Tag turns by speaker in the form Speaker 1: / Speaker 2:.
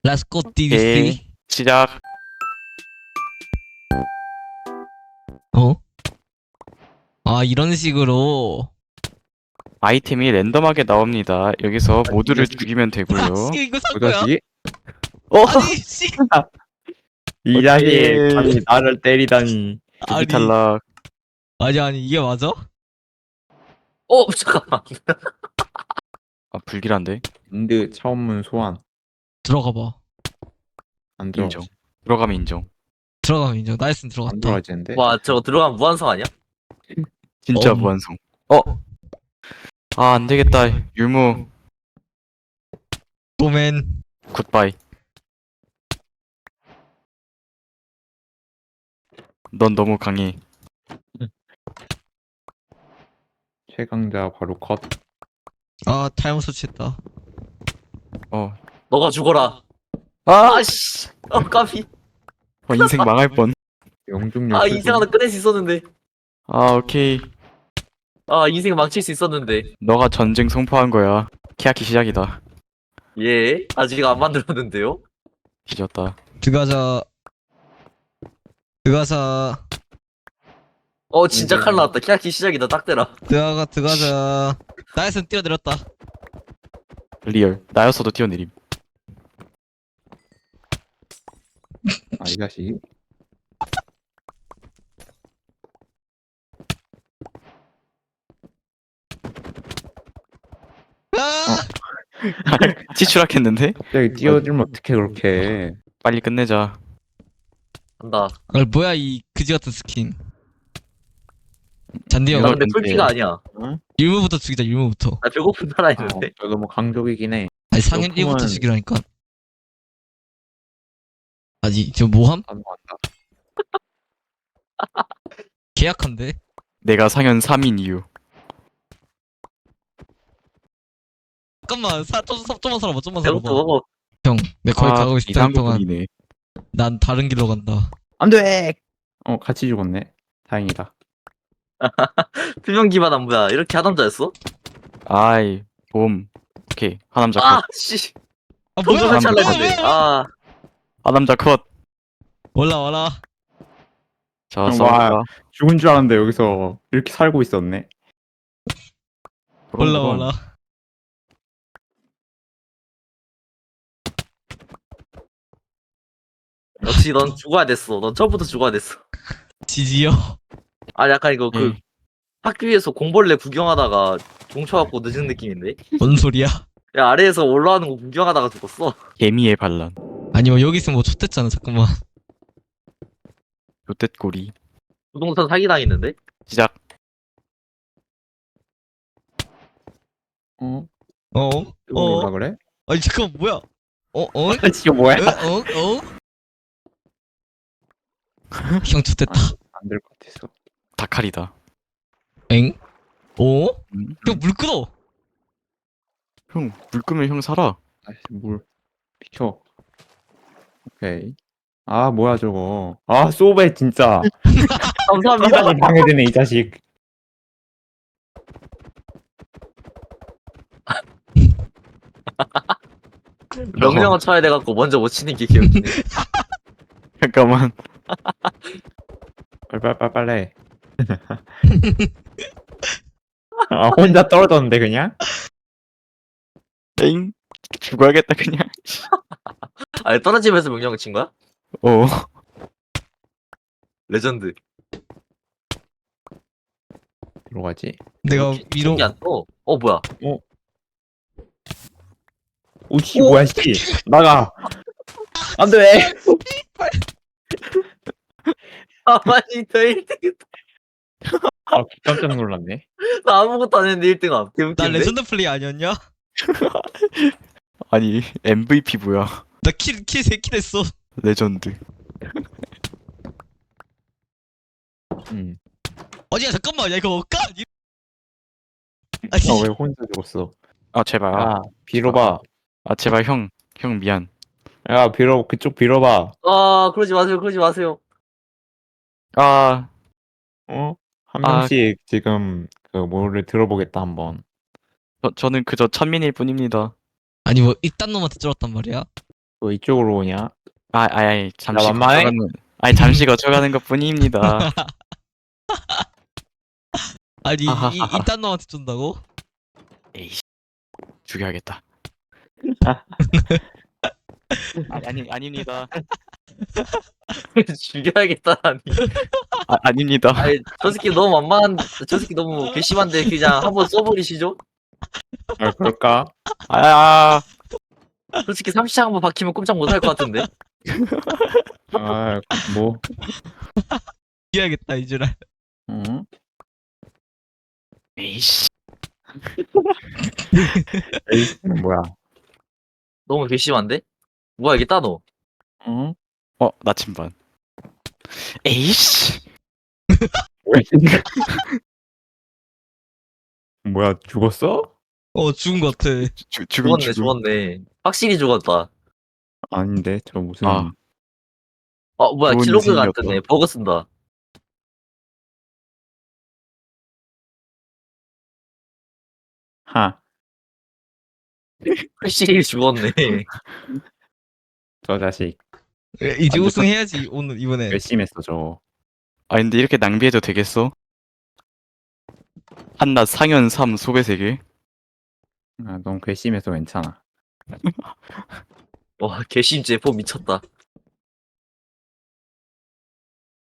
Speaker 1: Let's go
Speaker 2: 오케이.
Speaker 1: DDC.
Speaker 2: 시작.
Speaker 1: 어? 아, 이런 식으로.
Speaker 2: 아이템이 랜덤하게 나옵니다. 여기서 모두를 죽이면
Speaker 1: 아,
Speaker 2: 되고요.
Speaker 1: 씨, 이거 산
Speaker 3: 그
Speaker 1: 거야?
Speaker 3: 자식?
Speaker 2: 어?
Speaker 1: 아니, 씨.
Speaker 3: 이 자식
Speaker 2: 오케이.
Speaker 3: 감히 나를 때리다니.
Speaker 2: 두기
Speaker 1: 아니,
Speaker 2: 탈락.
Speaker 1: 아니, 이게 맞아?
Speaker 4: 잠깐만.
Speaker 2: 아, 불길한데?
Speaker 3: 인드 차원문 소환.
Speaker 1: 들어가 봐.
Speaker 3: 안 들어.
Speaker 2: 인정. 들어가면 인정.
Speaker 1: 들어가면 인정. 나이스는
Speaker 3: 안
Speaker 1: 들어갔다.
Speaker 3: 들어가지는데.
Speaker 4: 와, 저거 들어가면 무한성 아니야?
Speaker 2: 진짜
Speaker 1: 어.
Speaker 2: 무한성. 아, 안 되겠다. 율무.
Speaker 1: 도맨.
Speaker 2: 굿바이. 넌 너무 강해.
Speaker 3: 최강자 바로 컷.
Speaker 1: 아, 타임 설치했다.
Speaker 2: 어.
Speaker 4: 너가 죽어라.
Speaker 2: 아!
Speaker 4: 아씨. 까비.
Speaker 2: 인생 망할 뻔.
Speaker 3: 영중력.
Speaker 4: 인생 하나 꺼낼 수 있었는데.
Speaker 2: 아, 오케이.
Speaker 4: 인생 망칠 수 있었는데.
Speaker 2: 너가 전쟁 선포한 거야. 케야키 시작이다.
Speaker 4: 예. 아직 안 만들었는데요.
Speaker 2: 뒤졌다.
Speaker 1: 들어가자. 들어가자.
Speaker 4: 진짜 칼 나왔다. 키아키 시작이다. 딱 대라.
Speaker 1: 들어가자. 나이스는 뛰어내렸다.
Speaker 2: 리얼. 나였어도 뛰어내림.
Speaker 3: 아, 이 자식.
Speaker 1: 아!
Speaker 2: 치추락했는데?
Speaker 3: 갑자기 뛰어들면 어떻게 그렇게.
Speaker 2: 빨리 끝내자.
Speaker 4: 간다.
Speaker 1: 아, 뭐야, 이 그지 같은 스킨. 잔디 형,
Speaker 4: 나
Speaker 2: 이거
Speaker 4: 근데
Speaker 2: 근데-
Speaker 4: 풀피가 아니야.
Speaker 1: 일무부터 죽이자, 일무부터.
Speaker 4: 나 배고픈 나라
Speaker 3: 아,
Speaker 4: 있는데.
Speaker 3: 저 너무 강적이긴 해.
Speaker 1: 아니, 상현
Speaker 3: 그렇구만.
Speaker 1: 1부터 죽이라니까. 아니, 저 뭐함?
Speaker 3: 안 간다.
Speaker 1: 계약한데?
Speaker 2: 내가 상현 3인 이유.
Speaker 1: 잠깐만, 좀만 살아봐, 좀만
Speaker 4: 배고프
Speaker 1: 살아봐.
Speaker 4: 먹어.
Speaker 1: 형, 내 거기 가고 있을
Speaker 2: 이상한
Speaker 1: 동안
Speaker 2: 부분이네.
Speaker 1: 난 다른 길로 간다.
Speaker 3: 안 돼! 같이 죽었네. 다행이다.
Speaker 4: 필명 기반 안무야. 이렇게 하남자였어?
Speaker 2: 아이, 봄. 오케이. 하남자 컷.
Speaker 4: 씨.
Speaker 1: 아,
Speaker 4: 동전
Speaker 1: 뭐야?
Speaker 4: 설치할라
Speaker 1: 뭐야,
Speaker 4: 했는데.
Speaker 1: 뭐야?
Speaker 2: 하남자 컷.
Speaker 1: 올라와라.
Speaker 2: 자,
Speaker 3: 와.
Speaker 2: 싸울까?
Speaker 3: 죽은 줄 알았는데 여기서 이렇게 살고 있었네.
Speaker 1: 올라와라.
Speaker 4: 역시 넌 죽어야 됐어. 넌 처음부터 죽어야 됐어.
Speaker 1: 지지요.
Speaker 4: 약간 이거
Speaker 2: 예.
Speaker 4: 학교에서 공벌레 구경하다가 종쳐갖고 늦은 느낌인데?
Speaker 1: 뭔 소리야?
Speaker 4: 야, 아래에서 올라오는 거 구경하다가 죽었어.
Speaker 2: 개미의 반란.
Speaker 1: 아니, 뭐 여기 있으면 뭐 좆됐잖아. 잠깐만.
Speaker 2: 요댓꼬리.
Speaker 4: 부동산 사기당했는데?
Speaker 2: 시작.
Speaker 3: 어?
Speaker 1: 어?
Speaker 3: 이거
Speaker 1: 어?
Speaker 3: 올라 그래?
Speaker 1: 아니, 잠깐만, 뭐야? 어?
Speaker 3: 이거 뭐야?
Speaker 1: 어? 형 좆됐다.
Speaker 3: 안 될 것 같았어.
Speaker 2: 다칼이다.
Speaker 1: 엥? 어?
Speaker 2: 음.
Speaker 1: 형 물 끓어.
Speaker 2: 형, 물 끄면 형 살아.
Speaker 3: 아이씨, 물. 비켜. 오케이. 아, 뭐야, 저거. 아, 소베, 진짜.
Speaker 4: 감사합니다.
Speaker 3: 방해되네, 이 자식.
Speaker 4: 명령어 쳐야 돼갖고 먼저 못 치는 게 기억이네.
Speaker 2: 잠깐만.
Speaker 3: 빨리. 아, 혼자 떨어졌는데, 그냥?
Speaker 2: 엥? 죽어야겠다, 그냥.
Speaker 4: 떨어지면서 명령어 친 거야?
Speaker 2: 어.
Speaker 4: 레전드.
Speaker 3: 들어가지.
Speaker 1: 내가 위로
Speaker 4: 안 떠. 뭐야?
Speaker 3: 오씨, 뭐야, 씨. 나가. 안 돼.
Speaker 4: 아니, 나 1등.
Speaker 3: 아, 깜짝 놀랐네.
Speaker 4: 나 아무것도 안 했는데 1등함.
Speaker 1: 나
Speaker 4: 개웃긴데?
Speaker 1: 레전드 플레이 아니었냐?
Speaker 2: 아니, MVP 뭐야.
Speaker 1: 나 킬 3킬 했어.
Speaker 2: 레전드.
Speaker 1: 아니야, 잠깐만. 야, 이거 뭘까? 아니,
Speaker 3: 왜 혼자 죽었어?
Speaker 2: 아, 제발.
Speaker 3: 야, 빌어봐.
Speaker 2: 제발, 형. 형, 미안.
Speaker 3: 야, 그쪽 빌어봐.
Speaker 4: 그러지 마세요. 그러지 마세요.
Speaker 2: 아,
Speaker 3: 한
Speaker 2: 아.
Speaker 3: 명씩 지금 뭐를 들어보겠다, 한번.
Speaker 2: 저는 그저 천민일 뿐입니다.
Speaker 1: 아니 뭐 이딴 놈한테 쫄았단 말이야?
Speaker 3: 왜 이쪽으로 오냐?
Speaker 2: 잠시
Speaker 3: 만만해?
Speaker 2: 잠시 거쳐가는 것 뿐입니다.
Speaker 1: 아니
Speaker 2: 하하하하.
Speaker 1: 이딴 놈한테 쏜다고?
Speaker 2: 에이씨, 죽여야겠다. 아닙니다.
Speaker 4: 죽여야겠다니.
Speaker 2: 아닙니다.
Speaker 4: 아니 저 새끼 너무 만만한. 저 새끼 너무 괘씸한데 그냥 한번 써버리시죠.
Speaker 3: 아, 그럴까?
Speaker 2: 아,
Speaker 4: 솔직히 30창 한번 박히면 꼼짝 못할 것 같은데.
Speaker 3: 아, 뭐,
Speaker 1: 이겨야겠다 이제라.
Speaker 3: 응?
Speaker 2: 에이씨.
Speaker 3: 에이스는 뭐야?
Speaker 4: 너무 괘씸한데? 뭐야 이게 따노?
Speaker 3: 응?
Speaker 2: 나침반. 에이씨.
Speaker 3: 뭐야, 죽었어?
Speaker 1: 죽은 것 같아.
Speaker 2: 죽음.
Speaker 4: 죽었네. 확실히 죽었다.
Speaker 3: 아닌데, 저 무슨,
Speaker 2: 아.
Speaker 4: 뭐야
Speaker 2: 좋은
Speaker 4: 킬로그가 안
Speaker 2: 인생이었다.
Speaker 4: 뜨네. 버그 쓴다.
Speaker 3: 하,
Speaker 4: 확실히 죽었네.
Speaker 3: 저 자식,
Speaker 1: 이제
Speaker 2: 안
Speaker 1: 우승해야지 오늘 이번에.
Speaker 3: 괘씸했어, 저.
Speaker 2: 근데 이렇게 낭비해도 되겠어? 한낱 상현 3 소배 3개?
Speaker 3: 아, 너무 괘씸해서 괜찮아.
Speaker 4: 와 괘씸죄 포 미쳤다.